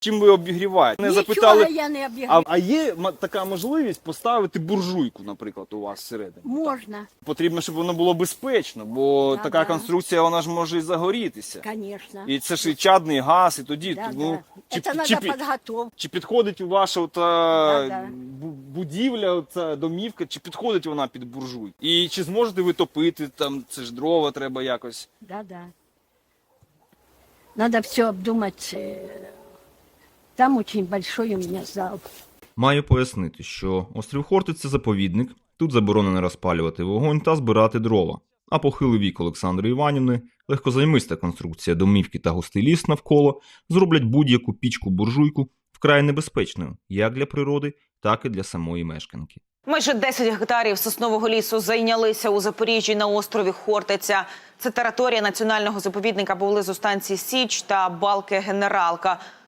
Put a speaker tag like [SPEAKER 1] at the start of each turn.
[SPEAKER 1] Чим ви обігріваєте? Не
[SPEAKER 2] Нічого
[SPEAKER 1] запитали,
[SPEAKER 2] я не обігріваю.
[SPEAKER 1] а є така можливість поставити буржуйку, наприклад, у вас всередині?
[SPEAKER 2] Можна,
[SPEAKER 1] Потрібно, щоб воно було безпечно, бо
[SPEAKER 2] Да,
[SPEAKER 1] така
[SPEAKER 2] да.
[SPEAKER 1] конструкція, вона ж може і загорітися.
[SPEAKER 2] звісно.
[SPEAKER 1] І це ж і чадний газ, і тоді,
[SPEAKER 2] Да,
[SPEAKER 1] ну,
[SPEAKER 2] да. Это надо подготовка.
[SPEAKER 1] чи підходить ваша
[SPEAKER 2] Да, да.
[SPEAKER 1] будівля, ця домівка, чи підходить вона під буржуй? І чи зможете ви топити, там, це ж дрова треба якось?
[SPEAKER 2] Да. Надо все обдумать. Там очень большой у меня зал.
[SPEAKER 3] Маю пояснити, що острів Хортиць – це заповідник, тут заборонено розпалювати вогонь та збирати дрова. А похилий вік Олександри Іванівни, легкозаймиста конструкція домівки та густий ліс навколо зроблять будь-яку пічку-буржуйку вкрай небезпечною як для природи, так і для самої мешканки.
[SPEAKER 4] Майже 10 гектарів соснового лісу зайнялися у Запоріжжі на острові Хортиця. Це територія національного заповідника поблизу станції Січ та балки Генералка.